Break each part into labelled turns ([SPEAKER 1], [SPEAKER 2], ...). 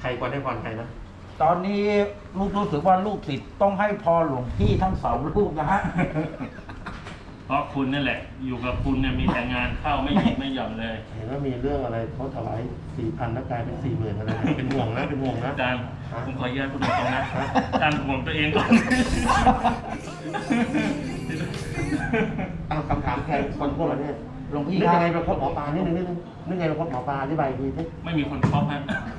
[SPEAKER 1] ใครควรให้พรใครนะ
[SPEAKER 2] ตอนนี้ลูกรู้สึกว่าลูกศิษย์ต้องให้พรหลวงพี่ทั้งสองลูกนะฮะ
[SPEAKER 3] เพราะคุณนั่นแหละ อยู่กับคุณเนี่ยมีแต่งานเข้าไม่หยุดไม่หย่อนเลย
[SPEAKER 1] เห็นว่ามีเรื่องอะไรเขาถวาย4,000แล้วกลายเป็น40,000อะไรเนี่ยเป็นห่วงนะเป็นห่วงนะ
[SPEAKER 3] อาจารย์ผมขออนุญาตพูดตรงๆนะอาจารย์ห่วงตัวเองก่อน
[SPEAKER 1] เอาคำถามใครคนพวกเราเนี่ย
[SPEAKER 2] หลวงพี่
[SPEAKER 1] นึก
[SPEAKER 2] ครับ
[SPEAKER 1] ยังไงไปพบหมอปลานิดนึงนึกไงไปพบหมอปลาอธิบายทีสิ
[SPEAKER 3] ไม่มีคนครอบฮะ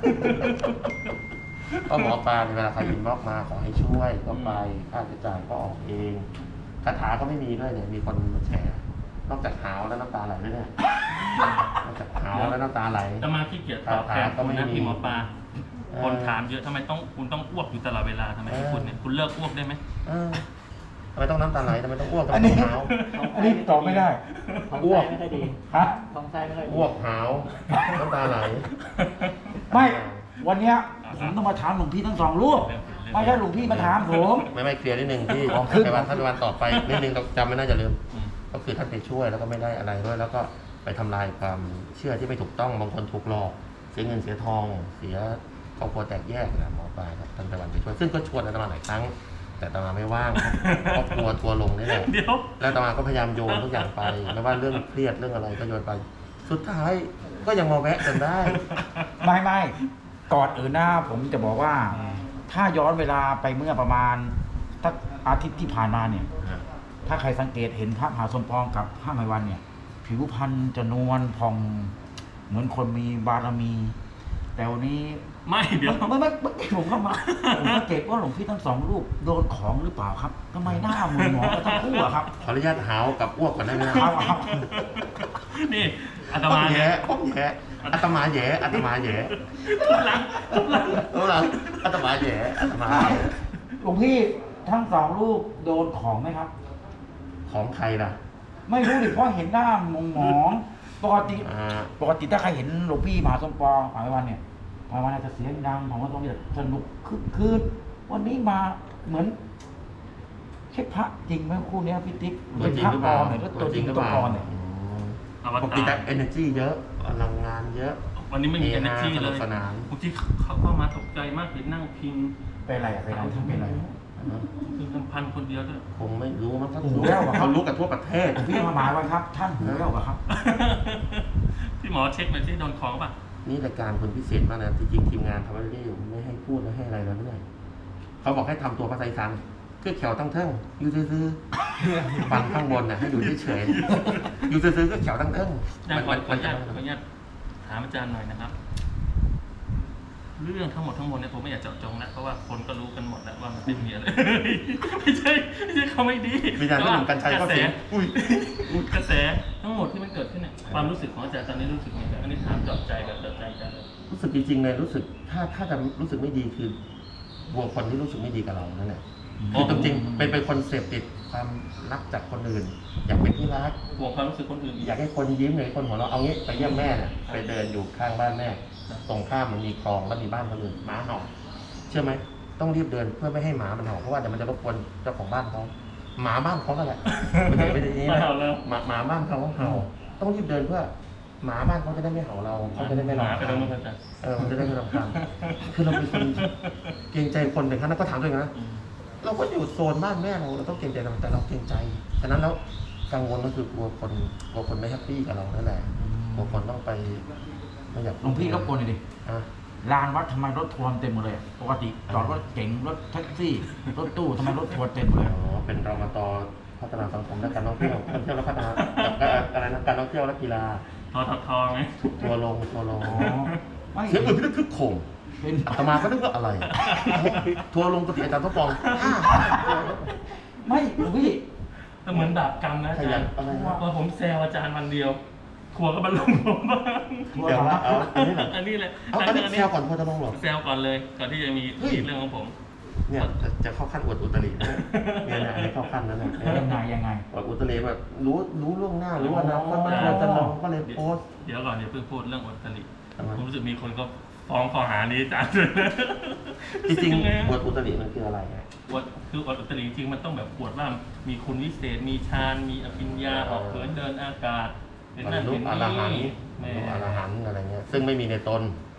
[SPEAKER 1] ก็หมอปลาเวลาใครอินบ็อกมาขอให้ช่วยก็ไปค่าใช้จ่ายก็ออกเองคาถาก็ไม่มีด้วยเนี่ยมีคนมาแชร์นอกจากหาวแล้วน้ำตาไหลด้วยเนี่ยนอกจากหาวแล้วน้ำตาไหล
[SPEAKER 3] จะมาขี้เกียจตอบแทนคุณนะพี่หมอปลาคนถามเยอะทำไมคุณต้องอ้วกอยู่ตลอดเวลาทำไมคุณเนี่ยคุณเลิกอ้วกได้ไหม
[SPEAKER 1] ทำไมต้องน้ำตาไหลทำไมต้องอ้วกทำไม
[SPEAKER 2] อัน
[SPEAKER 1] ต้
[SPEAKER 2] นี้
[SPEAKER 1] องหาว
[SPEAKER 2] อันนี้ตอบไม่ได้
[SPEAKER 1] อ้วก
[SPEAKER 4] ไม่ค่อยดี
[SPEAKER 2] ฮะ
[SPEAKER 4] ท้องไส้ไม่ค่อยดี
[SPEAKER 1] อ้วกหาวน้ำตาไหล
[SPEAKER 2] ไม่ วันเนี้ยผมต้องมาถามหลวงพี่ทั้งสองลูกไม่ใช่หลวงพี่มาถามผม
[SPEAKER 1] ไม่เคลียร์นิดนึงที่
[SPEAKER 2] อ๋อขึ้น
[SPEAKER 1] ในวันท่านวันต่อไปนิดนึงจำไม่น่าจะลืมก็คือท่านไปช่วยแล้วก็ไม่ได้อะไรด้วย แล้วก็ไปทำลายความเชื่อที่ไม่ถูกต้องบางคนถูกหลอกเสียเงินเสียทองเสียครอบครัวแตกแยกนะหมอปลาครับท่านไปวันไปช่วยซึ่งก็ชวนอาตมาหลายครั้งแต่อาตมาไม่ว่างเพราะกลัวทัวร์ลงนี่แหละ
[SPEAKER 3] เดี๋ยว
[SPEAKER 1] แล้วอาตมาก็พยายามโยนทุกอย่างไปไม่ว่าเรื่องเครียดเรื่องอะไรก็โยนไป สุดท้ายก็ยังมาแวะกันได้
[SPEAKER 2] ไม่ก่อนอื่นนะผมจะบอกว่า ถ้าย้อนเวลาไปเมื่อประมาณสักอาทิตย์ที่ผ่านมาเนี่ย ถ้าใครสังเกตเห็นพระมหาสมปองกับพระไมวันเนี่ย ผิวพรรณจะนวลผ่องเหมือนคนมีบารมี แต่วันนี้
[SPEAKER 3] ไม่เดี๋ยว
[SPEAKER 2] ไม่ผมเข้ามาผมสังเกตว่าหลวงพี่ทั้งสองรูปโดนของหรือเปล่าครับทำไมหน้าเหมือนหมอกันทั้งคู่อะครับ
[SPEAKER 1] ขออนุญาตหาวกับอ้วกก่อนได้ไหมนะ
[SPEAKER 2] ครับ
[SPEAKER 3] นี่อาต
[SPEAKER 1] ต้อ
[SPEAKER 3] มาง
[SPEAKER 1] แย่ต้องแย่อาตมาแย่อาตมาแย่
[SPEAKER 3] หลัง
[SPEAKER 1] รู้หลังอาตมาแย่อาตมาแย่
[SPEAKER 2] หลวงพี่ทั้งสองรูปโดนของไหมครับ
[SPEAKER 1] ของใครล่ะ
[SPEAKER 2] ไม่รู้ดิเพราะเห็นหน้หมองปกติ ปกติถ้าใครเห็นหลวงพี่มหาสมปองหายวันเนี่ยหายวันอาจจะเสียงดังของว่าต้องจะสนุกคึกคืนวันนี้มาเหมือนใช่พระจริงไหมคู่เนี้ยพี่ติ๊ก
[SPEAKER 1] ตัวจริง
[SPEAKER 2] พระ
[SPEAKER 1] หรือ
[SPEAKER 2] ป
[SPEAKER 1] เป
[SPEAKER 2] ลอ
[SPEAKER 1] ล่าม
[SPEAKER 2] เนี่ยแล้วตัวจริง
[SPEAKER 1] หรือ
[SPEAKER 2] ตั
[SPEAKER 1] เป
[SPEAKER 2] ว
[SPEAKER 1] ล่า
[SPEAKER 2] ปลอมเนี่ย
[SPEAKER 3] อว
[SPEAKER 1] ปก
[SPEAKER 3] ตา
[SPEAKER 1] ติ
[SPEAKER 3] ร
[SPEAKER 1] แต่ energy เยอะพลังงานเยอะ
[SPEAKER 3] วันนี้ไม่มี energy
[SPEAKER 1] ส
[SPEAKER 3] เล
[SPEAKER 1] นุก
[SPEAKER 3] ย
[SPEAKER 1] สนาน
[SPEAKER 3] บางทีเข้ามาตกใจมากเห็นนั่งพิง
[SPEAKER 2] เป็นไรอะเป็นไรท่านเป็นไร
[SPEAKER 3] คือลำพันคนเดียวด้วย
[SPEAKER 1] คงไม่รู้มั้งเขา
[SPEAKER 2] หูแว่วอะครับ
[SPEAKER 1] เขารู้กันทั่วประเทศ
[SPEAKER 2] หลวงพี่มาหมายไว้ครับ ท่านหูแว่วอะครับ
[SPEAKER 3] พี่หมอเช็คหน่อยสิโดนของป่ะ
[SPEAKER 1] นี่รายการคนพิเศษมากนะจริงๆทีมงานทำอะไรไม่ให้พูดและให้อะไรแล้วเนี่ยเขาบอกให้ทำตัวภาษาอีสานคือแขวตั้งเทิงอยู่ซื่อๆฟังข้างบนน่ะให้อยู่เฉยๆอยู่ซื่อๆก็แขวตั้งเทิง
[SPEAKER 3] อาจารย์ขออ
[SPEAKER 1] มั
[SPEAKER 3] นุญาตถามอาจารย์หน่อยนะครับ เรื่องทั้งหมดเนี่ยผมไม่อยากเจาะจงนะเพราะว่าคนก็รู้กันหมดแล้วว่ามันเป็นเมียเลย ไม่ใช่เขาไม่ดี
[SPEAKER 1] มีการ
[SPEAKER 3] แต่
[SPEAKER 1] ที่
[SPEAKER 3] ว่า
[SPEAKER 1] หนุ่มกัญชัยก็เสียงอุ้ย
[SPEAKER 3] กระแสทั้งหมดที่มันเกิดขึ้นเนี่ยความรู้สึกของอาจารย์ตอนนี้รู้สึกยังไงอันนี้ถามเจาะใจแบบเจาะใจอาจารย์เลย
[SPEAKER 1] รู้สึกจริงๆเลยรู้สึกถ้าจะรู้สึกไม่ดีคือกลัวคนที่รู้สึกไม่ดีกับเรานั่นแหละคือจริงๆเป็นคนเสพติดความรักจากคนอื่น อยากเป็นที่รัก
[SPEAKER 3] ห่วงความรู้สึกคนอื่นอีก
[SPEAKER 1] อยากให้คนยิ้มอยากให้คนหัวเราะเอางี้ไปเยี่ยมแม่เนี่ยไปเดินอยู่ข้างบ้านแม่ตรงข้ามมันมีคลองแล้วมีบ้านคนอื่นหมาเห่าเชื่อไหมต้องรีบเดินเพื่อไม่ให้หมามันเห่าเพราะว่าเดี๋ยวมันจะรบกวนเจ้าของบ้านเขาหมาบ้านเขาก็แหละไม่ใช่นี้นะหมาบ้านเขาเห่าต้องรีบเดินเพื่อหมาบ้านเขาจะได้ไม่เห่าเราเขาจะได้ไม่
[SPEAKER 3] ห
[SPEAKER 1] รำ
[SPEAKER 3] มา
[SPEAKER 1] คา
[SPEAKER 3] ไป
[SPEAKER 1] ญ
[SPEAKER 3] ตรงนู้นอาจารย์
[SPEAKER 1] มันจะได้ไม่รำคาญคือเราเป็นคนเกรงใจคนเป็นขั้นนั้นก็ถามตัวเองนะเราก็อยู่โซนบ้านแม่เราต้องเกรงใจเราแต่เราเกรงใจฉะนั้นแล้วกังวลก็คือกลัวคนไม่แฮปปี้กับเรานั่นแหละกลัวคนต้องไปไม่อยาก
[SPEAKER 2] หลวงพี่รบกวนหน่อยดิ
[SPEAKER 1] อ่ะ
[SPEAKER 2] ลานวัดทำไมรถทัวร์เต็มหมดเลยอะปกติจอดรถเก๋งรถแท็กซี่ รถตู้ทำไมรถทัวร์เต็มหมดเลย
[SPEAKER 1] อ๋อเป็นรมตพัฒนาสังคมและการท่องเที่ยวการท่องเที่ยวและพัฒนาอะไรนะการท่องเที่ยวและกีฬา
[SPEAKER 3] ทอไง
[SPEAKER 1] ทัวร์ลง
[SPEAKER 2] อ๋อไม่
[SPEAKER 1] เสียงอื่นพี่นึกคึกโคง
[SPEAKER 2] เป็น
[SPEAKER 1] อาตมาก็นึกว่าอะไรทัวร์ลงกุฏิอาจารย์ทศปอง
[SPEAKER 2] ไม่หลวงพี่
[SPEAKER 3] ก็เหมือนบาปกรรมนะอา
[SPEAKER 1] ข
[SPEAKER 3] จา
[SPEAKER 1] ยั
[SPEAKER 3] ร
[SPEAKER 1] น
[SPEAKER 3] ย์
[SPEAKER 1] อะไรนะ
[SPEAKER 3] พอผมแซวอาจารย์วันเดียวทัวร์ก็บรรลุผมบ้าง
[SPEAKER 1] เดี๋ยวว่าเอาอันนี้เหรอ
[SPEAKER 3] อันนี้เลย
[SPEAKER 1] เอาอันนี้แซวก่อนทัวร์จะลงเหรอ
[SPEAKER 3] แซวก่อนเลยก่อนที่จะมี
[SPEAKER 1] เฮ้ย
[SPEAKER 3] เรื่องของผม
[SPEAKER 1] เนี่ยจะเข้าขั้นอวดอุตริเนี่ยอันนี้เข้าขั้นแล้วเนี่ย
[SPEAKER 2] ยังไง
[SPEAKER 1] อวดอุตริแบบรู้ล่วงหน้ารู้ว่านะว่าทัวร์จะลงก็เลยโพสต์
[SPEAKER 3] เดี๋ยวก่อนเดี๋ยวเพิ่งพูดเรื่องอดตลิ
[SPEAKER 1] ทำไม
[SPEAKER 3] ผมรู้สึกมีคนก็ฟ้องข้อหานี้อาจารย์
[SPEAKER 1] จริง
[SPEAKER 3] ยังไง
[SPEAKER 1] ๆอวดอุตริมันคืออะไรอะ
[SPEAKER 3] อวดคืออดอุตริจริงๆมันต้องแบบอวดว่ามีคุณวิเศษมีฌานมีอภิญญาออกเขินเดินอากาศเป็น
[SPEAKER 1] บร
[SPEAKER 3] นั่
[SPEAKER 1] ร
[SPEAKER 3] น
[SPEAKER 1] ลุ
[SPEAKER 3] เป็น
[SPEAKER 1] อรหันต์
[SPEAKER 3] นี่
[SPEAKER 1] บรรลุอรหันต์อะไรเงี้ยซึ่งไม่มีในตน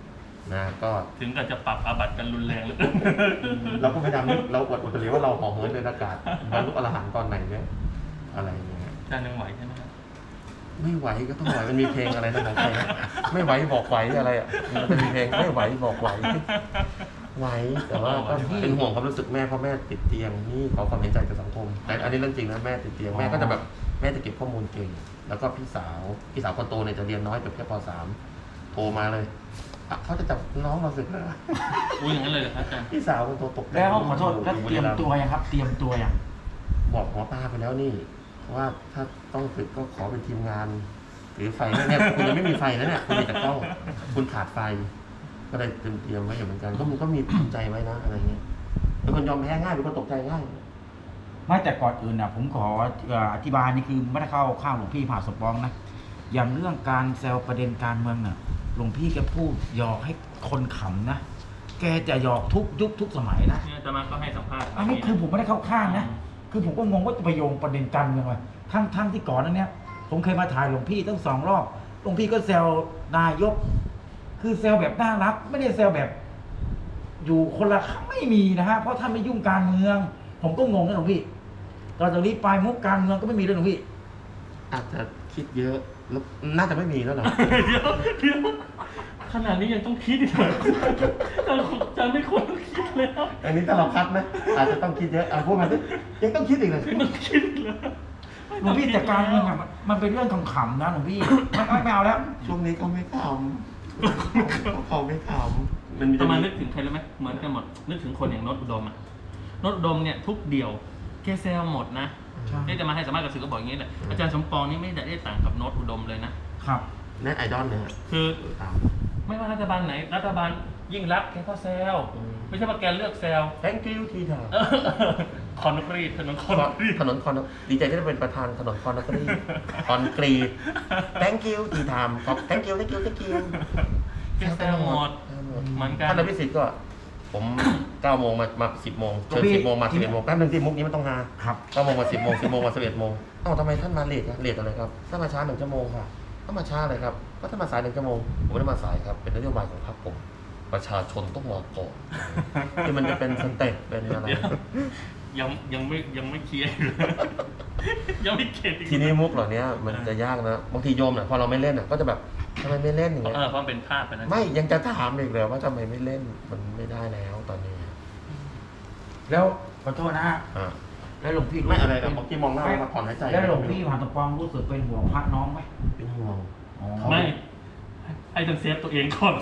[SPEAKER 1] นะก็
[SPEAKER 3] ถึงกับจะปรับอาบัติกันรุนแรงเลย
[SPEAKER 1] เราก็พยายามนึกเราอวดอุตริว่าเราห่อเหินเดินอากาศบรรลุอรหันต์ตอนไหนเนี่ยอะไรอย่างเงี้ย
[SPEAKER 3] อาจารย์ยังไหวใช่ไหมครับ
[SPEAKER 1] ไม่ไหวก็ต้องไหวมันมีเพลงอะไรนะของใครนะไม่ไหวบอกไหวอะไรอ่ะมันมีเพลงไม่ไหวบอกไหวไหวแต่ว่าก็เป็นห่วงความรู้สึกแม่เพราะแม่ติดเตียงนี่ขอความเห็นใจจากสังคมแต่อันนี้เรื่องจริงนะแม่ติดเตียงแม่ก็จะแบบแม่จะเก็บข้อมูลเก่งแล้วก็พี่สาวคนโตเนี่ยจะเรียนน้อยจบแค่ป.3 โทรมาเลยเขาจะจับน้องเราสึกแล้ว
[SPEAKER 3] อุ้ยอย่างนั้นเลยเหรอครับอาจารย์
[SPEAKER 1] พี่สาวคนโตตกใจ
[SPEAKER 2] แล้วขอโทษแล้วเตรียมตัวยังครับ เตรียมตัวยัง
[SPEAKER 1] บอกหมอปลาไปแล้วนี่ว่าถ้าต้องฝึกก็ขอเป็นทีมงานหรือไฟเนี่ยคุณยังไม่มีไฟนะเนี่ยคุณมีแต่กล้องคุณขาดไฟ ก็เลยเตรียมไว้อยู่เหมือนกันก็มันก็มีทำใจไว้นะอะไรเงี้ยเป็นคนยอมแพ้ง่ายเป็นคนตกใจง่าย
[SPEAKER 2] ไม่แต่ก่อนอื่นนะผมขออธิบายนี่คือไม่ได้เข้าข้างหลวงพี่ผ่าสมปองนะอย่างเรื่องการแซวประเด็นการเมืองน่ะหลวงพี่แกพูดหยอกให้คนขำนะแกจะหยอกทุกยุคทุกสมัยนะ
[SPEAKER 3] เนี่ยอาตมาก็ให้สัมภาษณ์
[SPEAKER 2] อันนี้คือผมไม่ได้เข้าข้างนะคือผมก็งงว่าจะไปโยงประเด็นการเมืองอะไรทั้งที่ก่อนนั้นเนี่ยผมเคยมาถ่ายหลวงพี่ตั้ง2 รอบหลวงพี่ก็แซวนายก คือแซวแบบน่ารักไม่ได้แซวแบบ อยู่คนละไม่มีนะฮะเพราะท่านไม่ยุ่งการเมือง ผมก็งงนะหลวงพี่ตอนจากนี้ไปมุกการเมืองก็ไม่มีเลยหลวงพี่
[SPEAKER 1] อาจจะคิดเยอะแล้วน่าจะไม่มีแล้วเหรอ
[SPEAKER 3] เดี๋ยวขนาดนี้ยังต้องคิดอีกเหรออาจารย์ไม่ควรต้องคิดแล้ว
[SPEAKER 1] อันนี้ถ้าเราคัดนะอาจจะต้องคิดเยอะพูดมาสิยังต้องคิดอีกเลย
[SPEAKER 3] ไม่ต้องคิดเลย
[SPEAKER 2] หลวงพี่แต่การเมืองอะมันเป็นเรื่องขำๆนะหลวงพี่ไม่เอาแล้ว
[SPEAKER 1] ช่วงนี้เขาไม่ขำเขาไม่ขำมันมี
[SPEAKER 3] ประมาณนึกถึงใครรู้ไหมเหมือนกันหมดนึกถึงคนอย่างโนตอุดมอ่ะโนตอุดมเนี่ยทุกเดี่ยวแกแซวหมดนะ
[SPEAKER 2] ใช่
[SPEAKER 3] นี่จะมาให้สัมภาษณ์กับสื่อก็บอกอย่างนี้แหละอาจารย์สมปองนี่ไม่ได้ต่างกับโนตอุดมเลยนะครับ
[SPEAKER 1] แน่ไอดอลเนี่ย
[SPEAKER 3] คือ
[SPEAKER 1] ตาม
[SPEAKER 3] ไม่ว่ารัฐบาลไหนรัฐบาลยิ่งรักษณ์แกก็แซวไม่ใช่ว่าแกเลือกแซว
[SPEAKER 1] thank you ทีเถอะ
[SPEAKER 3] คอนกรีตถนนคอนกรีต
[SPEAKER 1] ถนนคอนดีใจที่ได้เป็นประธานถนนคอนกรีตคอนกรีต thank you ทีทามขอบ thank you
[SPEAKER 3] แกแซวหมดเหมือนกัน
[SPEAKER 1] ท่านอภิสิทธิ์ก็ผม9 โมงมา10 โมงเชิญ10 โมงมา11 โมงแป๊บนึงที่มุกนี้มันต้องหา
[SPEAKER 2] ครับ
[SPEAKER 1] 9 โมงมา10 โมง10 โมงมา11 โมงเอ้าทำไมท่านมาเลทอะเลทอะไรครับถ้ามาช้า1 ชั่วโมงค่ะถ้ามาช้าเลยครับก็ถ้ามาสาย1 ชั่วโมงผมไม่ได้มาสายครับเป็นนโยบายของพรรคผมประชาชนต้องมาก่อนที่มันจะเป็นสเต็ปเป็นอะไร
[SPEAKER 3] ยังไม่เคลียร์อยู่เลยยังไม่เข็ดอีก
[SPEAKER 1] ทีนี้มุกเหล่านี้มันจะยากนะบางทีโยมเนี่ยพอเราไม่เล่นก็จะแบบทำไมไม่เล่นอย่างเงี้ย
[SPEAKER 3] เพราะมันเป็นภาพไปนะ
[SPEAKER 1] ไม่ยังจะถามอีกเลยว่าทำไมไม่เล่นมันไม่ได้แล้วตอนนี้
[SPEAKER 2] แล้วขอโทษนะฮะ
[SPEAKER 1] อ่า
[SPEAKER 2] แล้วหลวงพี่
[SPEAKER 1] ไม่อะไรนะเมื่อกี้มองหน้ามาถอนหายใจ
[SPEAKER 2] แล้วหลวงพี่ผ่าสมปองรู้สึกเป็นห่วงพระน้องไหม
[SPEAKER 1] เป็นห่วง
[SPEAKER 2] อ๋อ
[SPEAKER 3] ไม่ให้ต้องเซฟตัวเองก่อน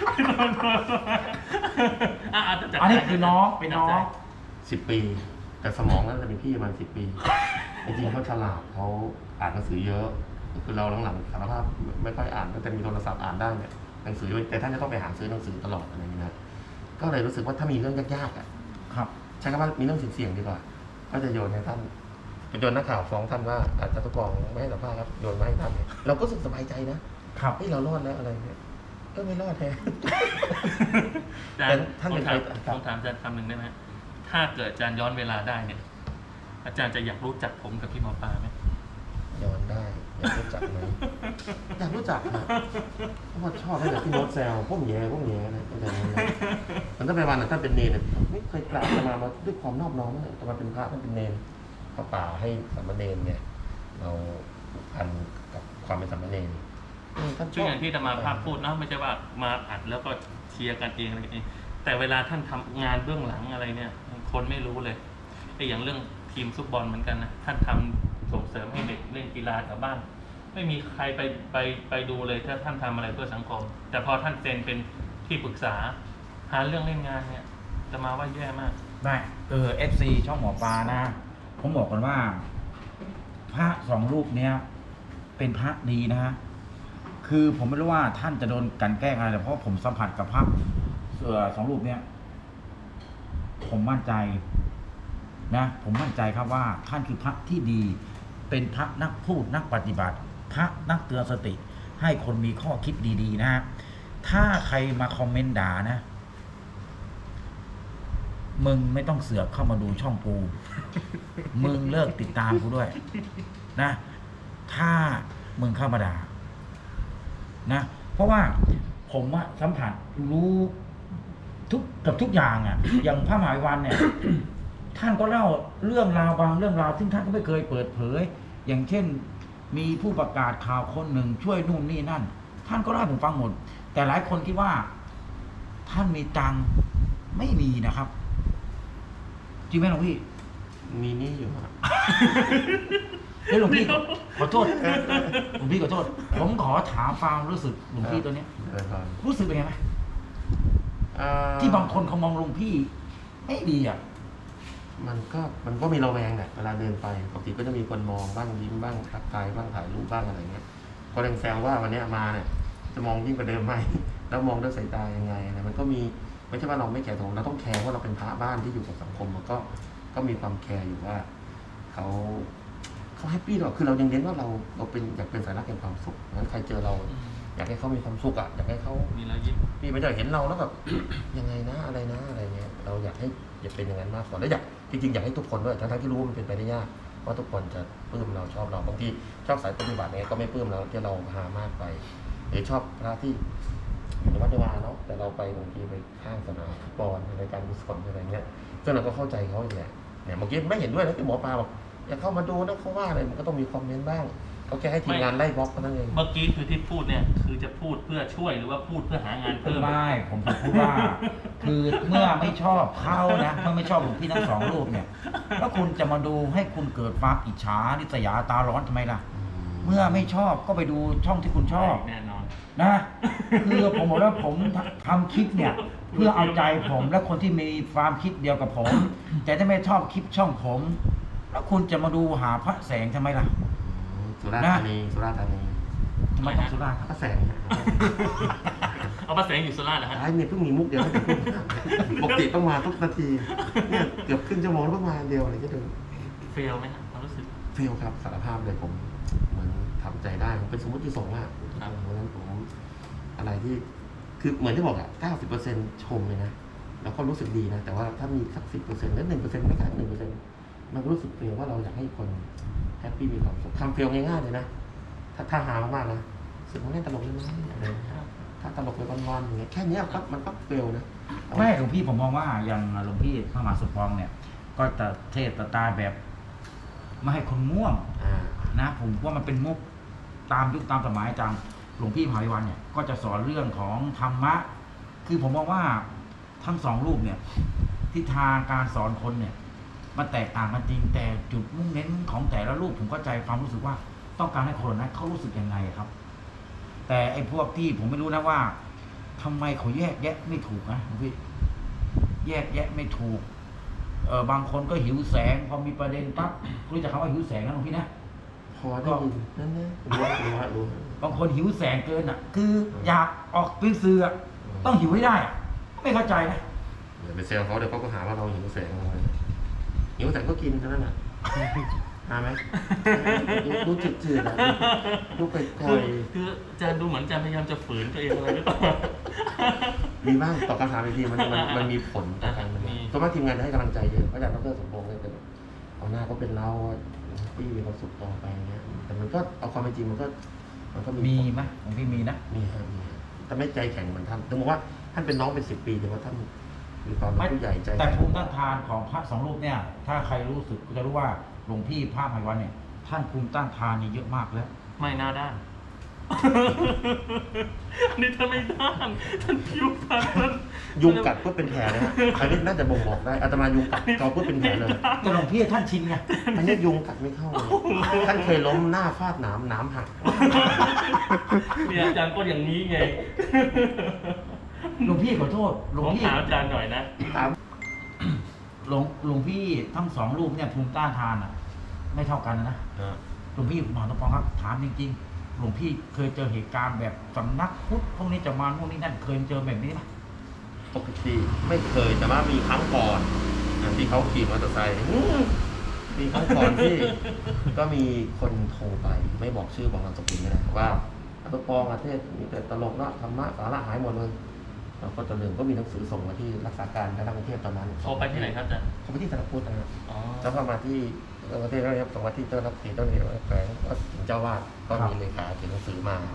[SPEAKER 3] จะจัด
[SPEAKER 2] อันนี้คือน้องเป็นน้อง
[SPEAKER 1] 10 ปี แต่สมองนั้นจะเป็นพี่ประมาณ10 ปีจริงๆเขาฉลาดเขาอ่านหนังสือเยอะคือเราหลังๆสารภาพไม่ค่อยอ่านแต่มีโทรศัพท์อ่านได้เนี่ยหนังสือแต่ท่านจะต้องไปหาซื้อหนังสือตลอดอะไรอย่างเงี้ยนะก็เลยรู้สึกว่าถ้ามีเรื่องยากๆ
[SPEAKER 2] ครับ
[SPEAKER 1] ใช้คำว่ามีเรื่องเสี่ยงๆดีกว่าก็จะโยนให้ท่านโยนนักข่าวฟ้องท่านว่าอาจารย์ทุกกองไม่ให้สัมภาษณ์ครับโยนมาให้ท่านเราก็รู้สึกสบายใจนะครับ เฮ้ยเรารอดแล้วอะไรเนี่ยก็ไม่รอดแท้
[SPEAKER 3] อาจารย์
[SPEAKER 1] ท่าน
[SPEAKER 3] ผ
[SPEAKER 1] เป็
[SPEAKER 3] ม
[SPEAKER 1] น
[SPEAKER 3] ถาม
[SPEAKER 1] ใคร
[SPEAKER 3] ผมถามอาจารย์คำหนึ่งได้ไหมถ้าเกิดอาจารย์ย้อนเวลาได้เนี่ย อาจารย์จะอยากรู้จักผมกับพี่หมอปลาไหม
[SPEAKER 1] ย้อนได้อยากรู้จักไหมอยากรู้จักนะเพราะว่าชอบตั้งแต่ที่โน้ตแซวพวกแย่นะตั้งแต่นั้นนะมันต้องไปวันท่านเป็นเนรไม่เคยกราบมาด้วยความนอบน้อมเลยแต่มาเป็นพระท่านเป็นเนรพระป่าให้สามเณรเนี่ยเราผูกพันกับความเป็นสามเณรท่านช
[SPEAKER 3] ซึ่ง
[SPEAKER 1] อบ
[SPEAKER 3] อย่างที่ธรรมาภาพพูดนะไม่ใช่ว่ามาอัดแล้วก็เชียร์กันเองอะไรเองแต่เวลาท่านทำงานเบื้องหลังอะไรเนี่ย คนไม่รู้เลยไอ้อย่างเรื่องทีมฟุตบอลเหมือนกันนะท่านทำส่งเสริมให้เด็กเล่นกีฬาแถวบ้านไม่มีใครไปดูเลยถ้าท่านทำอะไรเพื่อสังคม แต่พอท่านเซ็นเป็นที่ปรึกษาหาเรื่องเล่นงานเนี่ยจะมาว่าแย่มาก
[SPEAKER 2] ได้FC ช่องหมอปลานะ ผมบอกกันว่า พระ2 รูปเนี้ยเป็นพระดีนะฮะคือผมไม่รู้ว่าท่านจะโดนกลั่นแกล้งอะไรแต่เพราะผมสัมผัสกับพระ2 รูปเนี้ยผมมั่นใจนะผมมั่นใจครับว่าท่านคือพระที่ดี เป็นพระนักพูดนักปฏิบัติ พระนักเตือนสติ ให้คนมีข้อคิดดีๆนะฮะถ้าใครมาคอมเมนต์ด่านะมึงไม่ต้องเสือกเข้ามาดูช่องกู มึงเลิกติดตามกูด้วยนะ ถ้ามึงเข้ามาด่านะ เพราะว่าผมอะสัมผัสรู้กับทุกอย่างอะ อย่างพระมหาภัยวันเนี่ย ท่านก็เล่าเรื่องราวบางเรื่องราวซึ่งท่านก็ไม่เคยเปิดเผย อย่างเช่น มีผู้ประกาศข่าวคนหนึ่งช่วยนู่นนี่นั่น ท่านก็เล่าให้ผมฟังหมด แต่หลายคนคิดว่า ท่านมีตังค์ไม่มีนะครับ จริงไหมหลวงพี่
[SPEAKER 1] มีหนี่อยู่ครับ
[SPEAKER 2] เฮ้ยหลวงพี่ขอโทษหลวงพี่ขอโทษ ผมขอถามความรู้สึกหลวงพี่ตัวเนี้ย รู้สึกเป็นไงไหมที่บางคนเขามองหลวงพี่ไม่ดีอ่ะ
[SPEAKER 1] มันก็มีระแวงแหละเวลาเดินไปปกติก็จะมีคนมองบ้างยิ้มบ้างทักทายบ้างถ่ายรูปบ้างอะไรเงี้ยก็เลยแซวว่าวันนี้มาเนี่ยจะมองยิ่งกว่าเดิมไหม แล้วมองด้วยสายตายังไงนะมันก็มีไม่ใช่ว่าเราไม่แคร์ตรงเราต้องแคร์ว่าเราเป็นพระบ้านที่อยู่กับสังคมมันก็มีความแคร์อยู่ว่าเขาแฮปปี้หรอกคือเรายังเน้นว่าเราเป็นอยากเป็นสายรักแห่งความสุขงั้นใครเจอเรา อยากให้เขามีความสุขอ่ะอยากให้เขา
[SPEAKER 3] มีรอยยิ้ม
[SPEAKER 1] พี่ไม่ได้เห็นเราแล้วแบบ ยังไงนะอะไรนะอะไรเงี้ยเราอยากให้เป็นอย่างนั้นมากกว่าแล้วจริงๆอยากให้ทุกคนด้วยทั้งที่รู้ว่ามันเป็นไปได้ยากว่าทุกคนจะปลื้มเราชอบเราบางทีชอบสายปฏิบัติเนี่ยก็ไม่ปลื้มเราที่เราหามากไปหรือชอบพระที่ในวัดในวาเนาะแต่เราไปบางทีไปข้างสนามฟุตบอลในการกุศลอะไรเงี้ยซึ่งเราก็เข้าใจเขาอย่างเงี้ยเนี่ยเมื่อกี้ไม่เห็นด้วยนะที่หมอปลาบอกอย่าเข้ามาดูนะเขาว่าอะไรมันก็ต้องมีคอมเมนต์บ้างเขาแค่ให้ทีมงานไล่บล็อกเท่านั้นเอง
[SPEAKER 3] เมื่อกี้คือที่พูดเนี่ยคือจะพูดเพื่อช่วยหรือว่าพูดเพื่อหางานเพิ่ม
[SPEAKER 2] ไม่ผมพูดว่า คือเมื่อไม่ชอบเขานะเมื่อไม่ชอบหลวงพี่ทั้งสองรูปเนี่ยแล้วคุณจะมาดูให้คุณเกิดความอิจฉาริษยาตาร้อนทำไมล่ะ เมื่อไม่ชอบก็ไปดูช่องที่คุณชอบ
[SPEAKER 3] แน่นอน
[SPEAKER 2] นะคือผมบอกว่าผมทำคลิปเนี่ย เพื่อเอาใจผมและคนที่มีความคิดเดียวกับผม แต่ถ้าไม่ชอบคลิปช่องผม แล้วคุณจะมาดูหาพระแสงทำไมล่ะ
[SPEAKER 1] สุราษฎร์ธานีสุราษฎร์ธานี
[SPEAKER 2] ทำไมต้องสุราษฎร์ครับ
[SPEAKER 1] พระแสง
[SPEAKER 3] เอามาแสงอยู่สุราษฎร์นะฮะ
[SPEAKER 1] ไอ้เนี่ยเพิ่งมีมุกเดียวปกติต้องมาทุกนาทีเนี่ยเกือบครึ่งชั่วโมงแล้วเพิ่งมาเดียวอะไรก็ดู
[SPEAKER 3] เฟลไหมฮะความรู้สึก
[SPEAKER 1] เฟลครับสารภาพเลยผมเหมือนทำใจได้ผมเป็นสมมติที่สงฆ์อ่ะ
[SPEAKER 3] ครับ
[SPEAKER 1] เพราะฉะนั้นผมอะไรที่คือเหมือนที่บอกอ่ะ 90% ชมเลยนะแล้วก็รู้สึกดีนะแต่ว่าถ้ามีสัก 10%แล้ว 1%ไม่กล้า1%มันก็รู้สึกเฟลว่าเราอยากให้คนแฮปปี้มีความสุขทำเฟลง่ายๆเลยนะถ้าหามากๆนะสึกมันเล่นตลกเลยนะอะไรอย่างเงี้ยถ้าตลกไปวันๆอย่างเงี้ยแค่เนี้ยครับมันก็เฟลนะ
[SPEAKER 2] ไม่หลวงพี่ผมมองว่าอย่างหลวงพี่พระมหาสมปองเนี่ย ก็จะเทศตาแบบไม่ให้คนง่วง นะผมว่ามันเป็นมุกตามยุคตามสมัยจังหลวงพี่มหาวิวันเนี่ยก็จะสอนเรื่องของธรรมะ คือผมมองว่าทั้งสองรูปเนี่ยทิศทางการสอนคนเนี่ยมันแตกต่างกันจริงแต่จุดมุ่งเน้นของแต่ละรูปผมเข้าใจความรู้สึกว่าต้องการให้คนนั้นเขารู้สึกยังไงครับ แต่ไอ้พวกที่ผมไม่รู้นะว่าทำไมเขาแยกแยะไม่ถูกนะหลวงพี่แยกแยะไม่ถูกบางคนก็หิวแสงพอมีประเด็นปั๊บรู้จักคำว่าหิวแสงนะหลวงพี่นะ
[SPEAKER 1] พอได้ยินนั่นนะรู้
[SPEAKER 2] บางคนหิวแสงเกินอ่ะ คืออยากออกเป็นสื่ออะต้องหิวให้ได้อะไม่เข้าใจนะ
[SPEAKER 1] อย่าไปเซลเขาเดี๋ยวเขาก็หาว่าเราหิวแสงอะไรหิวแสงก็กินเท่านั้นน่ะหาไหมดูจืดๆอ่ะดูไกล
[SPEAKER 3] คืออาจารย์ดูเหมือนอาจารย์พยายามจะฝืนตัวเองอะไรหรือเปล่า
[SPEAKER 1] ๆมีบ้างตอบคำถามอีกทีมันมีผลต่อการมันก็มาทีมงานจะให้กำลังใจเยอะเพราะอาจารย์ดรสมพงษ์เนี่ยเอาหน้าก็เป็นเราที่มีความสุขต่อไปเงี้ยแต่มันก็เอาความเป็นจริงมันก็มี
[SPEAKER 2] มีไหมของพี่มีนะ
[SPEAKER 1] มีแต่ไม่ใจแข็งเหมือนท่านถึงบอกว่าท่านเป็นน้องเป็น10 ปีแต่ว่าท่านมีความเป็นผู้ใหญ่ใจ
[SPEAKER 2] แต่ภูมิต้านทานของพระสองรูปเนี่ย ถ้าใครรู้สึกก็จะรู้ว่าหลวงพี่พระมหาวันเนี่ย ท่านภูมิต้านทานนี่เยอะมากแล้ว
[SPEAKER 3] ไม่หน้าด้าน อันนี้ท่านไม่ด้านท่านผิวพรรณท่าน
[SPEAKER 1] ยุงกัดก็เป็นแผลนะฮะอันนี้น่าจะบ่งบอกได้อาตมายุงกัดจอก็เป็นแผลเลย
[SPEAKER 2] แต่หลวงพี่ท่านชินไง
[SPEAKER 1] อันนี้ยุงกัดไม่เข้าเลยท่านเคยล้มหน้าฟาดหนามหัก
[SPEAKER 3] เนี่ยอาจารย์ก็อย่างนี้ไง
[SPEAKER 2] หลวงพี่ขอโทษหลวง
[SPEAKER 3] ผม
[SPEAKER 2] พี่
[SPEAKER 3] ถามอาจารย์หน่อยนะ
[SPEAKER 1] ถาม
[SPEAKER 2] หลวงพี่ทั้งสองรูปเนี่ยภูมิต้านทานอ่ะ ไม่เท่ากันนะหลวงพี่มหาสมปองครับถามจริงๆหลวงพี่เคยเจอเหตุการณ์แบบสำนักพุทธพวกนี้จะมาพวกนี้นั่นเคยเจอแบบนี้ไหม
[SPEAKER 1] ปกติไม่เคยแต่ว่ามีครั้งก่อนที่เขาขี่มอเตอร์ไซค์มีครั้งก่อนที่ก็มีคนโทรไปไม่บอกชื่อบอกนามสกุลไม่ได้ว่าอัตปองประเทศมีแต่ตลกละธรรมะสาระหายหมดเลยเราก็จะลืมก็มีหนังสือส่งมาที่รักษาการคณะกรุงเทพตอนนั้น
[SPEAKER 3] โทรไปที่ไหนครับอาจารย์
[SPEAKER 1] เขาไปที่สารพุทธนะครับ
[SPEAKER 3] อ๋อ
[SPEAKER 1] แล้วก็มาที่ประเทศแล้วครับส่งมาที่เจ้าหน้าที่เจ้าหน้าที่แขวงก็ถึงเจ้าวาดก็มีเลขาถึงหนังสือมา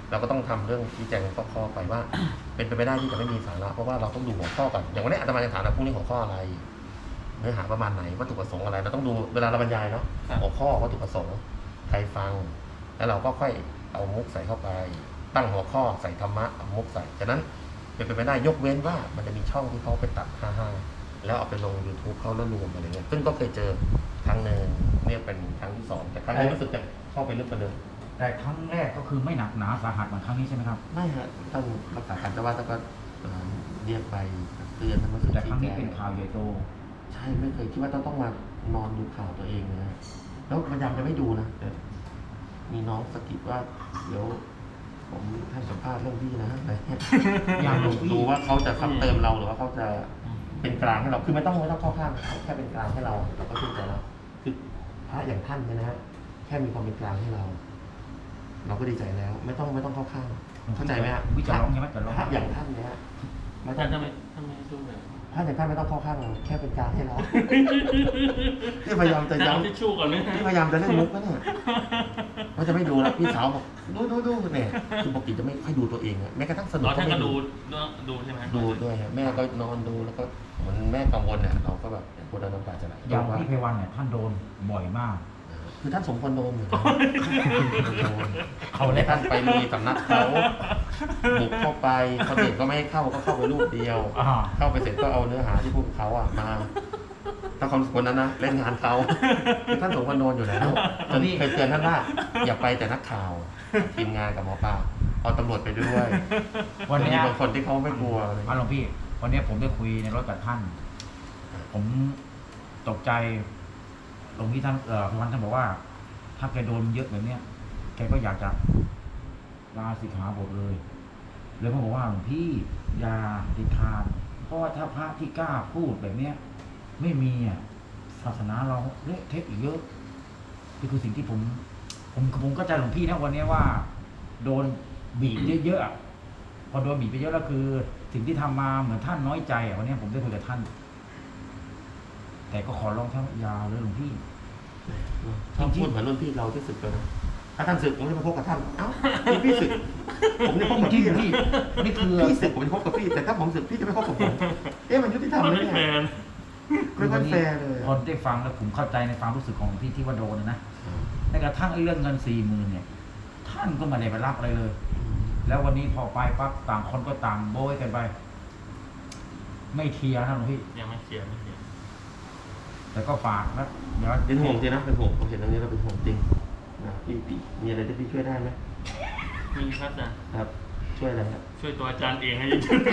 [SPEAKER 1] เราก็ต้องทำเรื่องชี้แจงข้อไปว่า เป็นไปไม่ได้ที่จะไม่มีสาระเพราะว่าเราต้องดูหัวข้อก่อนอย่างวันนี้อาตมาจะถามนะพรุ่งนี้หัวข้ออะไรเนื้อหาประมาณไหนวัตถุประสงค์อะไรเราต้องดูเวลาเราบรรยายเนาะหัวข้อวัตถุประสงค์ใครฟังแล้วเราก็ค่อยเอามุกใส่เข้าไป ตั้งหัวข้อใส่ธรรมะเอามุกใส่ฉะนั้นเป็นไปไม่ได้ยกเว้นว่ามันจะมีช่องที่เขาไปตัด55แล้วเอาไปลง YouTube เขาแล้วรวมอะไรเงี้ยซึ่งก็เคยเจอครั้งหนึ่งเนี่ยเป็นครั้งที่2แต่ครั้งนี้รู้สึกจะเข้าไปลึกกว่าเดิม
[SPEAKER 2] แต่ครั้งแรกก็คือไม่หนักหนาสาหัสเหมือนครั้งนี้ใช่ไหมครับ
[SPEAKER 1] ไม่ฮะต้องรักษาการแต่ว่าถ้าก็เรียกไปเตือนท่านมาสื่อ
[SPEAKER 2] แต่ครั้งนี้
[SPEAKER 1] ชี้แจ
[SPEAKER 2] เป็นข่าวใหญ่โต
[SPEAKER 1] ใช่ไม่เคยคิดว่าต้องมานอนดูข่าวตัวเองนะแล้วพยายามจะไม่ดูนะแต่มีน้องสะกิดว่าเดี๋ยวผมให้สัมภาษณ์เรื่องพี่นะอะไรเงี้ย
[SPEAKER 2] อยากดูพี่
[SPEAKER 1] ดูว่าเขาจะซ้ำเติมเราหรือว่าเขาจะเป็นกลางให้เราคือไม่ต้องเข้าข้างเขาแค่เป็นกลางให้เราเราก็ชื่นใจแล้วคือพระอย่างท่านเนี่ยนะฮะแค่มีความเป็นกลางให้เรา เราก็ดีใจแล้ว ไม่ต้องเข้าข้างเข้าใจไหมฮะ
[SPEAKER 2] วิจารณ์ร้องใช่ไหมจะร้อง
[SPEAKER 1] พระอย่างท่านเนี่ยไม่ต้
[SPEAKER 3] ท่า
[SPEAKER 1] อน ง
[SPEAKER 3] ทำไมดูแบบ
[SPEAKER 1] พระอย่างท่านไม่ต้องเข้าข้างเราแค่เป็นกลางให้เรา ที่พยายามจะ
[SPEAKER 3] เอา
[SPEAKER 1] ย้ำ
[SPEAKER 3] ทิชชู่ก่อนไหม
[SPEAKER 1] ที่พยายามจะเล่นมุกนะเนี่ยว่าจะไม่ดูแล้วพี่สาวบอกดูเนี่ยคือปกติจะไม่ค่อยดูตัวเองอะแม้กระทั่งสนุก
[SPEAKER 3] อ๋อ
[SPEAKER 1] ก็
[SPEAKER 3] ท่าน
[SPEAKER 1] ไม่
[SPEAKER 3] ก็
[SPEAKER 1] ดู
[SPEAKER 3] ดูใช่ไหม
[SPEAKER 1] ดูด้วยครับแม่ก็นอนดูแล้วก็เหมือนแม่กังวลเนี่ยเราก็แบบพูดแล้วน้ำตาจะไหล
[SPEAKER 2] อย่าง
[SPEAKER 1] ว่า
[SPEAKER 2] พี่ไพวันเนี่ยท่านโดนบ่อยมาก
[SPEAKER 1] คือท่านสมควรโดนอยู่นะ
[SPEAKER 2] เอาเลย
[SPEAKER 1] ท่านไปลุยสำนักเขาบุกเข้าไปคนอื่นก็ไม่ให้เข้าก็เข้าไปรูปเดียว เข้าไปเสร็จก็เอาเนื้อหาที่พูดกับเขาอะมาถ้าความสมควรนั้นนะเล่นงานเขาคือท่านสมควรโดนอยู่แล้วจนเคยเตือนท่านว่าอย่าไปแต่นักข่าวทีมงานกับหมอปลาเอาตำรวจไปด้วย
[SPEAKER 2] วันนี้
[SPEAKER 1] มีบางคนที่เขาไม่กลัวอะไร
[SPEAKER 2] หลวงพี่ วันนี้ผมได้คุยในรถกับท่าน ผมตกใจตรงที่ท่านไพวันท่านบอกว่า ถ้าแกโดนเยอะแบบเนี้ยแกก็อยากจะลาสิกขาบทเลยเลยผมบอกว่าหลวงพี่อย่าเด็ดขาดเพราะว่าถ้าพระที่กล้าพูดแบบเนี้ย ไม่มีอ่ะศาสนาเราเละเทะอีกเยอะนี่คือสิ่งที่ผมก็ใจหลวงพี่นะวันนี้ว่า โดนบีบเยอะๆอะพอโดนบีบไปเยอะแล้วคือ สิ่งที่ทำมาเหมือนท่านน้อยใจอ่ะวันนี้ผมได้คุยกับท่าน แต่ก็ขอร้องท่านอยาเลยหลวงพี่
[SPEAKER 1] ชอบพูดเหมือนรุ่นพี่เราที่สึกเลยนะถ้าท่านสึกผมจะมาพบกับท่านเอ้านี่พี่สึกผมจะพบกับ
[SPEAKER 2] จริ
[SPEAKER 1] พี่
[SPEAKER 2] งๆพี่นี่คือ
[SPEAKER 1] พี่สึกผมจะพบกับพี่แต่ถ้าผมสึกพี่จะไม่พบกับผมมันยุติธรรม
[SPEAKER 3] มัน
[SPEAKER 1] ไหม
[SPEAKER 3] ไม่
[SPEAKER 1] เนี่
[SPEAKER 3] แฟ
[SPEAKER 1] ย
[SPEAKER 3] น
[SPEAKER 1] ไม่ค่อยแฟร์เลย
[SPEAKER 2] พอได้ฟังแล้วผมเข้าใจในความรู้สึกของหลวงพี่ที่ว่าโดนนะในกระทั่งไอ้เรื่องเงิน40,000เนี่ย ท่านก็ไม่ได้ไปรับอะไรเลย แล้ววันนี้พอไปปั๊บต่างคนก็ต่างโบยกันไป ไม่เคลียร์นะหลวงพี่
[SPEAKER 3] ยังไม่เคลียร์ไม่เคลียร์
[SPEAKER 2] แต่ก็ฝากนะเดี๋ยว
[SPEAKER 1] เป็นห่วงจริงนะเป็นห่วงผมเห็นตรงนี้เราเป็นห่วงจริงนะพี่มีอะไรที่พี่ช่วยได้ไหม
[SPEAKER 3] มีครับอาจารย์
[SPEAKER 1] ครับ ช่วยอะไรครับ
[SPEAKER 3] ช่วยตัวอาจารย์เองให้เยอะ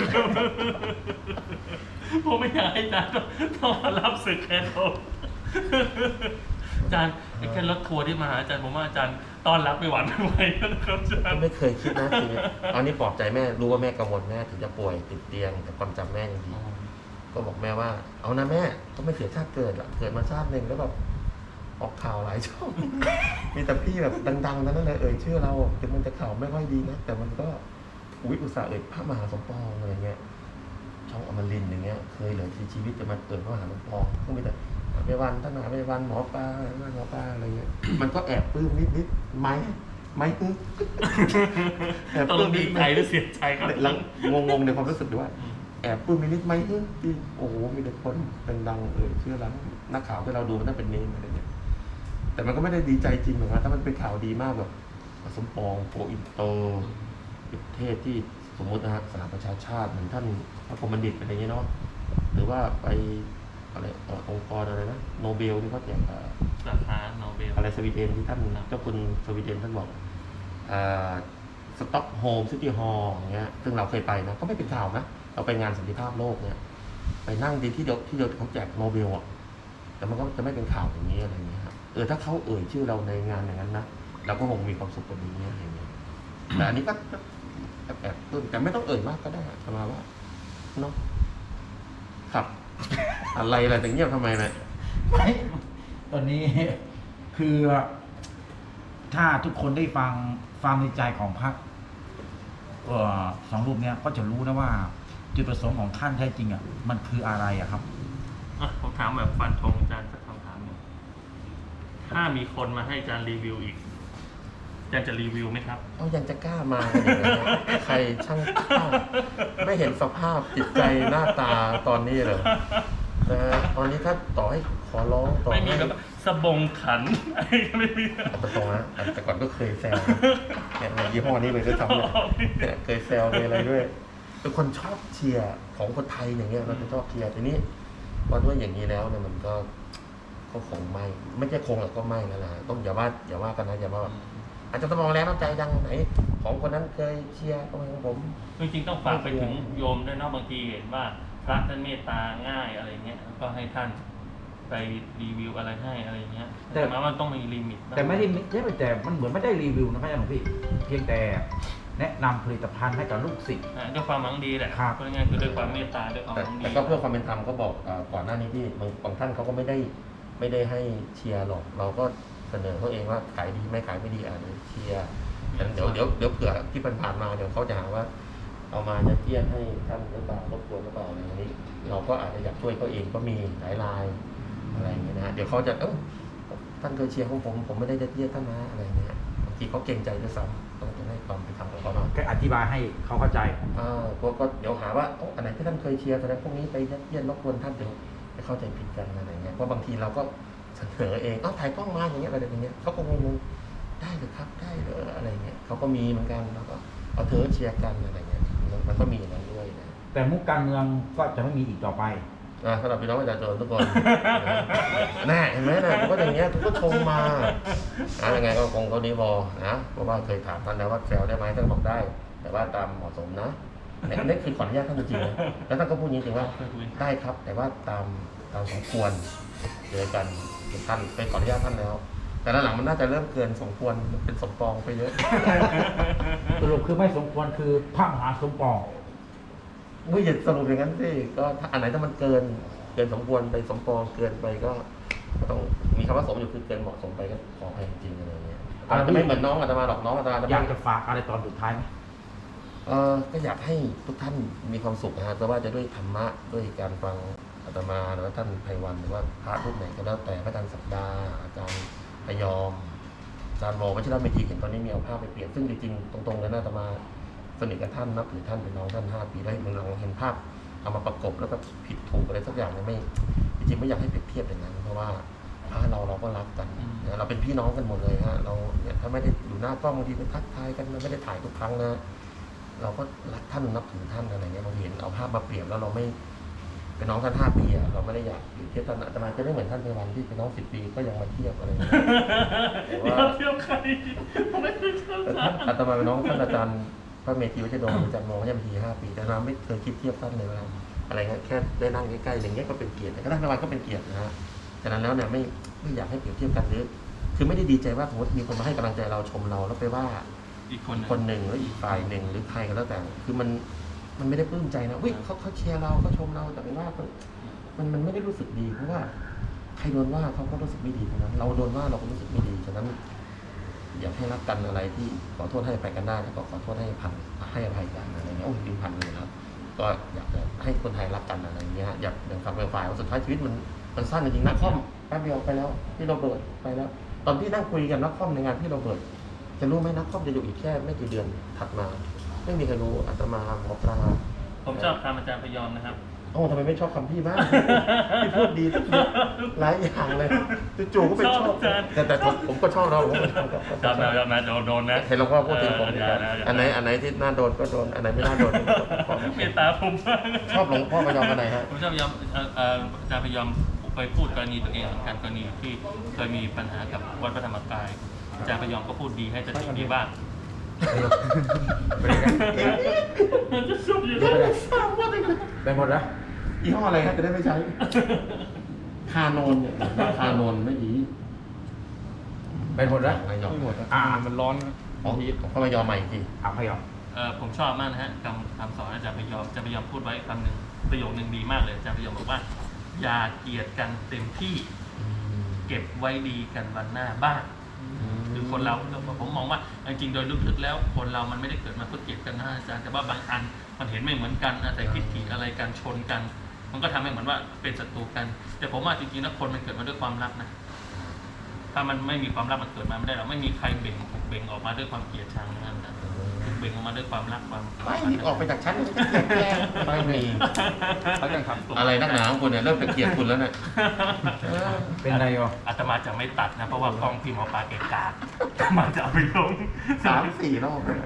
[SPEAKER 3] ๆผมไม่อยากให้อาจารย์ต้องมารับศึกแค่โดนอาจารย์ไอ้แค่รถทัวร์ที่มาหาอาจารย์ผมว่าอาจารย์ต้อนรับไม่หวั่นไม่ไหวนะครับอาจารย์
[SPEAKER 1] ไม่เคยคิดนะทีนี้ตอนนี้ปลอบใจแม่รู้ว่าแม่กังวลแม่ถึงจะป่วยติดเตียงแต่ความจำแม่ยังดีก็บอกแม่ว่าเอานะแม่ก็ไม่เสียชาติเกิดหรอกเกิดมาชาติหนึ่งแล้วแบบออกข่าวหลายช่อง มีแต่พี่แบบดังๆนั่นแหละชื่อเราถึงมันจะข่าวไม่ค่อยดีนะแต่มันก็อุตส่าห์พระมหาสมปองอะไรเงี้ยช่องอมรินทร์อย่างเงี้ยเคยเหลือชีวิตจะมาเกิดพระมหาสมปองก็มีแต่ไปวันท่านมหาไปวันหมอปลาอะไรเงี้ยมันก็แอบปลื้มนิดๆไหมแอบ
[SPEAKER 3] ต้
[SPEAKER 1] ปลื้
[SPEAKER 3] อง
[SPEAKER 1] ม
[SPEAKER 3] ดี
[SPEAKER 1] นิด
[SPEAKER 3] ใจหรือเสียใจครับ
[SPEAKER 1] หลังงงในความรู้สึกด้วยว่าแอบปลื้มนิดไหมที่โอ้โหมีแต่คนดังๆชื่อร้านนักข่าวที่เราดูมันน่าเป็นเนมอะไรเงี้ยแต่มันก็ไม่ได้ดีใจจริงหรอกนะถ้ามันเป็นข่าวดีมากแบบสมปองโปรอินเตอร์ประเทศที่สมมตินะฮะสหประชาชาติเหมือนท่านพระพรหมบัณฑิตอะไรอย่างเงี้ยเนาะหรือว่าไปอะไรองค์กรอะไรนะโนเบลที่เขาแจก
[SPEAKER 3] ราคาโนเบล
[SPEAKER 1] อะไรสวีเดนที่ท่านเจ้าคุณสวีเดนท่านบอกสต็อกโฮล์มซิตี้ฮอลล์อย่างเงี้ยซึ่งเราเคยไปนะก็ไม่เป็นข่าวนะเราไปงานสันติภาพโลกเนี่ยไปนั่งดีที่เดียวเขาแจกโนเบลอ่ะแต่มันก็จะไม่เป็นข่าวอย่างนี้อะไรเงี้ยครับถ้าเขาเอ่ยชื่อเราในงานอย่างนั้นนะเราก็คงมีความสุขกว่านี้อะไรเงี้ยแต่อันนี้ก็แอบแต่ไม่ต้องเอ่ยมากก็ได้ประมาณว่าเนาะครับ อะไรแต่เงียบทำไมเนี่ย
[SPEAKER 2] ไม่ตอนนี้คือถ้าทุกคนได้ฟังความในใจของพระสองรูปเนี้ยก็จะรู้นะว่าจุดประสงค์ของท่านแท้จริงอ่ะมันคืออะไรอ่ะครับ
[SPEAKER 3] ผมถามแบบฟันธงอาจารย์สักคำถามหนึ่งถ้ามีคนมาให้อาจารย์รีวิวอีก อาารย์จะรีวิวไหมครับ
[SPEAKER 1] เอายังจะกล้ามากันอย่างนี้ยใครช่างกล้าไม่เห็นสภาพจิตใจหน้าตาตอนนี้เลยนะฮะตอนนี้ถ้าต่อให้ขอร้องต่อ
[SPEAKER 3] ไม่มี
[SPEAKER 1] ให้
[SPEAKER 3] แบบสบงขัน ไม่มี
[SPEAKER 1] เอาตรงๆนะแต่ก่อนก็เคยแซวเนี่ยในยี่ห้อนี้เลยด้วยซ้ำเนี่ยเคยแซวเลยอะไรด้วยเป็นคนชอบเชียร์ของคนไทยอย่างเงี้ยเราจะชอบเชียร์ทีนี้พอด้วยอย่างนี้แล้วเนี่ยมันก็คงไม่ใช่คงหรอกก็ไม่นั่นแหละต้องอย่าว่ากันนะอย่าว่าอาจจะต้องมองแล้วน้ำใจดังไหนของคนนั้นเคยเชียร์ก็ไม่ของผม
[SPEAKER 3] จริงๆต้องฝากไปถึงโยมด้วยเนาะบางทีเห็นว่าพระท่านเมตตาง่ายอะไรเงี้ยก็ให้ท่านไปรีวิวอะไรให้อะไรเงี้ยแต่หมายว่าต้องมีลิมิตบ้าง
[SPEAKER 2] แต่ไม่ได้ใช่แต่มันเหมือนไม่ได้รีวิวนะพระอาจารย์หลวงพี่เพียงแต่แนะนำผลิตภัณฑ์ให้กับลูกศิษย์
[SPEAKER 3] ด้วยความหวังดีแหละ
[SPEAKER 2] ครับ
[SPEAKER 3] พูดง่ายๆคือด้วยความเมตตาด้วยความหวังดี
[SPEAKER 1] แต่ก็เพื่อความเป็นธรรมก็บอกก่อนหน้านี้ที่บางท่านเขาก็ไม่ได้ให้เชียร์หรอกเราก็เสนอเขาเองว่าขายดีไม่ขายไม่ดีอาจจะเชียร์แต่เดี๋ยวเผื่อที่ผ่านมาเดี๋ยวเขาจะหาว่าเอามาจะเทียนให้ท่านหรือเปล่ารบกวนหรือเปล่าอะไรอย่างนี้ เราก็อาจจะอยากช่วยเขาเองก็มีหลายรายอะไรอย่างเงี้ยนะฮะเดี๋ยวเขาจะท่านเคยเชียร์ของผมไม่ได้จะเทียนท่านนะอะไรอย่างเงี้ยบางทีเขาเกรงใจด้วยซ้ำต้องให้ความเป็นธรรมกับเขาหน่อย
[SPEAKER 2] ก็อธิบายให้เขาเข้าใจ
[SPEAKER 1] ก็เดี๋ยวหาว่าอันไหนที่ท่านเคยเชียร์แสดงพวกนี้ไปยัดเยียดรบกวนท่านเดี๋ยวไปเข้าใจผิดกันอะไรเงี้ยเพราะบางทีเราก็เสนอเองถ่ายกล้องมาอย่างเงี้ยอะไรอย่างเงี้ยเขาก็งงๆได้หรือครับได้หรืออะไรเงี้ยเขาก็มีเหมือนกันแล้วก็เอาเธอเชียร์กันอะไรเงี้ยมันก็มีอย่างนั้นด้วยนะ
[SPEAKER 2] แต่มุกการเมืองก็จะไม่มีอีกต่อไป
[SPEAKER 1] สำหรับพี่น้องประชาชนทุกคนแน่เห็นไหมนะผมก็อย่างเงี้ยทุกก็ชมมายังไงก็คงเขาดีพอนะเพราะว่าเคยถามท่านแล้วว่าแซวได้ไหมท่านบอกได้ แต่ว่าตามเหมาะสมนะนี่คือขออนุญาตท่านจริงๆนะแล้วท่านก็พูดจริงๆว่าได้ครับ แต่ว่าตามสมควรเจอกันท่านไปขออนุญาตท่านแล้ว แต่หลังมันน่าจะเริ่มเกินสมควรเป็นสมปองไปเยอะ
[SPEAKER 2] สรุปคือไม่สมควรคือพระมหาสมปอง
[SPEAKER 1] ไม่อย่าสรุปอย่างนั้นสิก็ถ้าอันไหนถ้ามันเกินสมควรไปสมปองเกินไปก็ต้องมีคำว่าสมอยู่คือเกินเหมาะสมไปก็ขออภัยจริงๆอะไรเงี้ยอาจจะไม่เหมือนน้องอาตมาหรอกน้องอาตมา
[SPEAKER 2] อยากจะฝากอะไรตอนสุดท้ายไหม
[SPEAKER 1] ก็อยากให้ทุกท่านมีความสุขนะฮะแต่ว่าจะด้วยธรรมะด้วยการฟังอาตมาหรือว่าท่านไพวันหรือว่าพระรูปไหนก็แล้วแต่พระอาจารย์ศักดาอาจารย์พยอมอาจารย์วอวัชิรเมธีเห็นตอนนี้มีเอาภาพไปเปลี่ยนซึ่งจริงๆตรงๆเลยนะอาตมาสนิทกับท่านนับถือท่านเป็นน้องท่าน5 ปีได้มันลองเห็นภาพเอามาประกบแล้วก็ผิดถูกอะไรสักอย่างเนี่ยไม่จริงๆไม่อยากให้เปรียบเทียบอย่างนั้นเพราะว่าพระเราก็รักกันนะเราเป็นพี่น้องกันหมดเลยฮะเราเนี่ยถ้าไม่ได้อยู่หน้ากล้องบางทีไปทักทายกันไม่ได้ถ่ายทุกครั้งนะเราก็รักท่านนับถือท่านอะไรเงี้ยเราเห็นเอาภาพมาเปรียบแล้วเราไม่เป็นน้องท่าน5 ปีอะเราไม่ได้อยากอยู่เทียบท่านอาตมาจะไม่เหมือนท่านไพวันที่เป็นน้อง10 ปีก็ยังมาเทียบอะไรเงี้ยแต่ว่า
[SPEAKER 3] เที่ยวใครผมไม่เคยเที่ยว
[SPEAKER 1] แต่
[SPEAKER 3] ใคร
[SPEAKER 1] ท่านอาตมาเป็นน้องท่านอาจารย์พระเมธีวัชรดลอาจารย์มองว่าจะมี5 ปีแต่เราไม่เคยคิดเทียบท่านเลยว่าอะไรเงี้ยแค่ได้นั่งใกล้ๆอย่างเงี้ยก็เป็นเกียรติแต่ก็ท่านไพวันก็เป็นเกียรตินะฮะฉะนั้นแล้วเนี่ยไม่อยากให้เปรียบเทียบกันหรือคือไม่ได้ดีใจว่าสมมติมีคนมาให้กำลังใจเราชมเราแล้วไปว่า
[SPEAKER 3] อีก
[SPEAKER 1] คนหนึ่งแล้วอีกฝ่ายหนึ่งหรือใครก็แล้วแต่คือมันไม่ได้ปลื้มใจนะเขาเชียร์เราเขาชมเราแต่เป็นว่ามันไม่ได้รู้สึกดีเพราะว่าใครโดนว่าเขาก็รู้สึกไม่ดีทั้งนั้นเราโดนว่าเราก็รู้สึกไม่ดีฉะนั้นอยากให้รักกันอะไรที่ขอโทษให้ไปกันได้แล้วก็ขอโทษให้ให้อภัยกันอะไรเงี้ยดินพันเลยครับก็อยากจะให้คนไทยรักกันอะไรเงี้ยอยากอย่างคำเป็นฝ่ายว่าสุดท้ายชีวิตมันสั้นจริงๆนักคอมแป๊บเดียวไปแล้วพี่โรเบิร์ตไปแล้วตอนที่นั่งคุยกันนักคอมในงานพี่โรเบิร์ตจะรู้ไหมนักคอมจะอยู่อีกแค่ไม่กี่เดือนถัดมาไม่มีใครรู้อาตมาหมอปลา
[SPEAKER 3] ผมชอบคำอาจารย์พยอมนะครับ
[SPEAKER 1] ทำไมไม่ชอบคำพี่บ้าง พี่พูดดีทุกอย่างหลายอย่างเลยจู่ๆก็เป็นชอบแต่ผมก็ชอบเราผมก็ชอบ
[SPEAKER 3] จำนะโดนนะ
[SPEAKER 1] เห็นหลวงพ่อพูดถึงผมเหมือนกันอันไหนที่น่าโดนก็โดนอันไหนไม่น่าโดนก็
[SPEAKER 3] เมตตาผม
[SPEAKER 1] ชอบหลวงพ่อพยอมอันไหนฮะ
[SPEAKER 3] ผมชอบพยอมอาจารย์พยอมไปพูดกรณีตัวเองเหมือนกันกรณีที่เคยมีปัญหากับวัดพระธรรมกายอาจารย์พยอมก็พูดดีให้สติดีบ้าง
[SPEAKER 2] ไปเลยกัน
[SPEAKER 3] มันจะสุดอยู่
[SPEAKER 2] ไปหมดแล้ว
[SPEAKER 1] ยี่ห้ออะไรฮะจะได้ไม่ใช้ คานนเนี่ยคานนไม่ดี
[SPEAKER 2] ไปหมดแล้ว
[SPEAKER 1] ไม่ยอม
[SPEAKER 4] ไม่หมด มันร้อน
[SPEAKER 1] ของพยอมใหม่ที
[SPEAKER 2] พยอม
[SPEAKER 3] ผมชอบมากนะฮะคำสอนอาจารย์พยอมอาจารย์พยอมพูดไว้คำหนึ่งประโยคนึงดีมากเลยอาจารย์พยอมบอกว่าอย่าเกลียดกันเต็มที่เก็บไว้ดีกันวันหน้าบ้างคือคนเราผมมองว่าจริงๆโดยลึกๆแล้วคนเรามันไม่ได้เกิดมาเพื่อเกลียดกันนะอาจารย์แต่ว่าบางอันมันเห็นไม่เหมือนกันนะแต่ทิฏฐิอะไรกันชนกันมันก็ทำให้เหมือนว่าเป็นศัตรูกันแต่ผมว่าจริงๆแล้วคนมันเกิดมาด้วยความรักนะถ้ามันไม่มีความรักมันเกิดมาไม่ได้หรอกไม่มีใครเบ่งออกมาด้วยความเกลียดชังนั่นนะเบ่งออกมาด้วยความรักความ
[SPEAKER 1] ไม่มีออกไปจากชั้นไม่มี
[SPEAKER 4] เขาจะทำ
[SPEAKER 1] อะไรนักหนาของคุณเนี่ยเริ่มจะเกลียดคุณแล้วเนี่ย
[SPEAKER 2] เป็นไรอ่ะ
[SPEAKER 3] อาตมาจะไม่ตัดนะเพราะว่ากล้องพี่หมอปลาเกะกะอาตมาจะเอาไปลง
[SPEAKER 1] 3-4 รอบเลย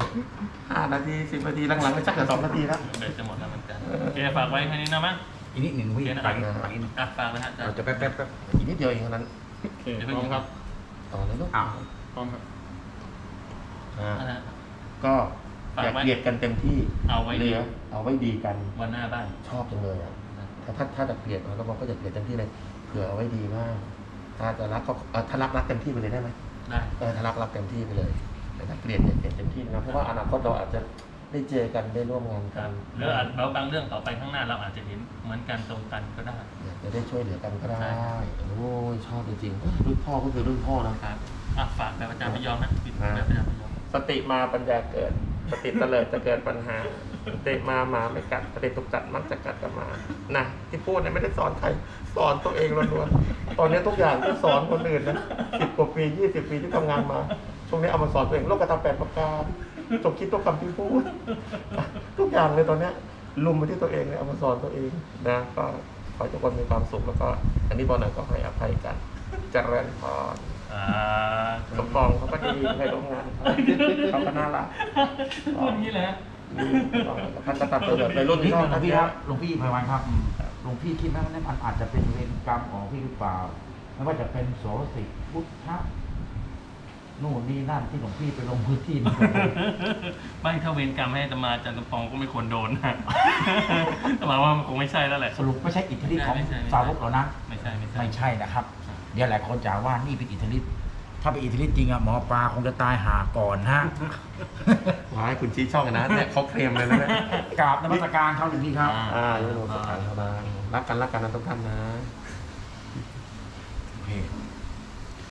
[SPEAKER 1] 5 นาที 10 นาทีหลังๆก็ชักจะ2 นาทีแล้ว
[SPEAKER 3] เบ็ดจะหมดแล้วเหมือนกันโอเคฝากไว้แค่นี้นะมั้ง
[SPEAKER 2] อีกนิดหนึ่งพี่
[SPEAKER 3] โอเคนะ
[SPEAKER 2] ฝากอีกนิด
[SPEAKER 3] อ่ะฝากเลยฮะอาจาร
[SPEAKER 2] เรา
[SPEAKER 3] ย์
[SPEAKER 2] จะแป๊บ
[SPEAKER 1] อีกนิดเดียวเองเท่านั้น
[SPEAKER 4] โอเคพร้อมครับ
[SPEAKER 1] ต่อเลยลูก
[SPEAKER 2] อ้าว
[SPEAKER 4] พร้อมครับ
[SPEAKER 3] นะฮะ
[SPEAKER 1] ก็อย่าเกลียดกันเต็มที่
[SPEAKER 3] เอาไว้ดี
[SPEAKER 1] เหลือเอาไว้ดีกัน
[SPEAKER 3] วันหน้าบ้าน
[SPEAKER 1] ชอบจังเลยอ่ะถ้าจะเกลียดเราก็บอกก็จะเกลียดเต็มที่เลยเผื่อเอาไว้ดีมากถ้าจะรักก็ถ้ารักเต็มที่ไปเลยได้ไหม
[SPEAKER 3] ได้
[SPEAKER 1] ถ้ารักเต็มที่ไปเลย แต่ถ้าเกลียดเนี่ยเกลียดเต็มที่นะเพราะว่าอนาคตเราอาจจะได้เจอกันได้ร่วมงาน
[SPEAKER 3] ค
[SPEAKER 1] กั
[SPEAKER 3] รั
[SPEAKER 1] น
[SPEAKER 3] บหรืออาจเราบางเรื่องต่อไปข้างหน้าเราอาจจะเห็นเหมือนกันตรงกันก็ได้
[SPEAKER 1] อยากจะได้ช่วยเหลือกันก็ได้
[SPEAKER 3] ใช่ครับ
[SPEAKER 1] โอ้ยชอบจริงๆรุ่นพ่อก็คือรุ่นพ่อนะ
[SPEAKER 3] ครับอ่ะฝากแบบอาจารย์พยอมนะปิดแบบอาจารย์พยอม
[SPEAKER 1] สติมาปัญญาเกิด สติเตลิดจะเกิดปัญหาสติมาหมาไม่กัดสติถูกกัดมักจะกัดกับหมานะที่พูดเนี่ยไม่ได้สอนใครสอนตัวเองล้วนๆตอนนี้ทุกอย่างที่สอนคนอื่นนะ10 กว่าปี 20 ปีที่ทำงานมาช่วงนี้เอามาสอนตัวเองโลกธรรม8 ประการจบคิดตัวคำที่พูดทุกอย่างเลยตอนเนี้ยลุมไปที่ตัวเองเลยเอามาสอนตัวเองนะก็ขอให้ทุกคนมีความสุขแล้วก็อันนี้บอลหน่อยก็ให้อภัยกันเจริญพร สมปองเขาก็ดีในโรงงานเขาก็น่ารัก
[SPEAKER 3] พูดอย่างนี้แหละ
[SPEAKER 1] ท่านก็ตัดตัวแบบในรุ่น
[SPEAKER 2] นิด
[SPEAKER 1] ที่
[SPEAKER 2] ห
[SPEAKER 1] ชอบ
[SPEAKER 2] นึ่ง
[SPEAKER 1] ท่าน
[SPEAKER 2] พี่ครับหลวงพี่ไพวันครับหลวงพี่คิดไหมว่ามันอาจจะเป็นเวรกรรมของพี่หรือเปล่าไม่ว่าจะเป็นโสสิพุทธะนู่นนี่นั่นที่หลวงพี่ไปลงพื้นที่มา
[SPEAKER 3] ไม่ถ้าเวรกรรมให้อาตมาอาจารย์สมปองก็ไม่ควรโดนนะอาตมาว่ามันคงไม่ใช่แล้วแหละ
[SPEAKER 2] สรุปไม่ใช่อิทธิฤทธิ์ของ
[SPEAKER 3] ไม่ใช่
[SPEAKER 2] สาวกเหรอนะ
[SPEAKER 3] ไม่ใช่
[SPEAKER 2] ไม่ใช่นะครับ เดี๋ยวหลายคนจะว่านี่เป็นอิทธิฤทธิ์ถ้าเป็นอิทธิฤทธิ์จริงอะหมอปลาคงจะตายหาก่อนฮะ
[SPEAKER 1] ว้ายคุณชี้ช่องกันนะเนี่ยเขาเคลมเลยนะเนี่ย
[SPEAKER 2] กราบนมัสการครับหลวงพี่ครับ
[SPEAKER 1] โยโนสถานธรรมรักกันนะทุกท่านนะ
[SPEAKER 2] โอเค